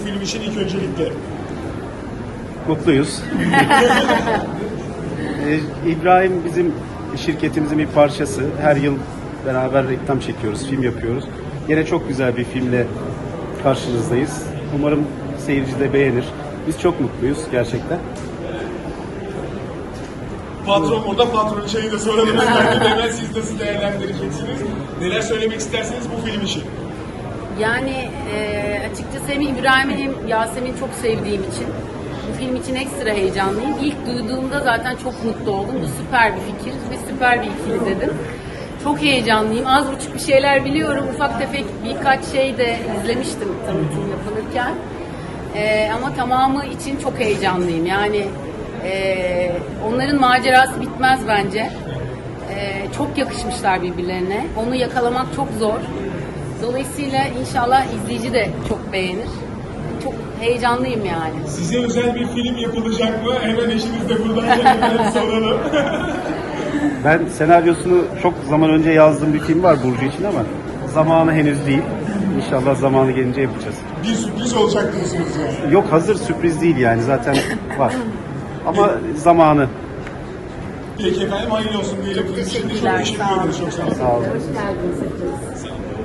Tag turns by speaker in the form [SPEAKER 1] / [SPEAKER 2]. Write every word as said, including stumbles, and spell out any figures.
[SPEAKER 1] bu film için ilk öncelikle?
[SPEAKER 2] Mutluyuz. Ee, İbrahim bizim şirketimizin bir parçası. Her yıl beraber reklam çekiyoruz, film yapıyoruz. Yine çok güzel bir filmle karşınızdayız. Umarım seyirci de beğenir. Biz çok mutluyuz gerçekten.
[SPEAKER 1] Patron burada, patron şeyi de soralım. Özellikle hemen siz nasıl değerlendireceksiniz? Neler söylemek isterseniz bu film için?
[SPEAKER 3] Yani e, açıkçası hem İbrahim'i hem Yasemin'i çok sevdiğim için bu film için ekstra heyecanlıyım. İlk duyduğumda zaten çok mutlu oldum. Bu süper bir fikir ve süper bir ikili dedim. Çok heyecanlıyım. Az buçuk bir şeyler biliyorum. Ufak tefek birkaç şey de izlemiştim tanıtım yapılırken. E, ama tamamı için çok heyecanlıyım. Yani e, onların macerası bitmez bence. E, çok yakışmışlar birbirlerine. Onu yakalamak çok zor. Dolayısıyla inşallah izleyici de çok beğenir. Çok heyecanlıyım yani.
[SPEAKER 1] Size özel bir film yapılacak mı? Hemen eşiniz de buradan hemen soralım.
[SPEAKER 2] Ben senaryosunu çok zaman önce yazdığım bir film var Burcu için ama zamanı henüz değil. İnşallah zamanı gelince yapacağız.
[SPEAKER 1] Bir sürpriz olacak diyorsunuz yani.
[SPEAKER 2] Yok, hazır, sürpriz değil yani, zaten var. Ama zamanı.
[SPEAKER 1] Peki efendim, hayırlı olsun diyelim.
[SPEAKER 3] Çok
[SPEAKER 1] Film için de
[SPEAKER 3] teşekkürler.
[SPEAKER 1] Çok teşekkür
[SPEAKER 3] Sağ olun.
[SPEAKER 1] ederiz. Çok sağ olun.
[SPEAKER 2] Sağ olun.
[SPEAKER 3] Hoş geldiniz hepiniz.
[SPEAKER 1] Sağ olun.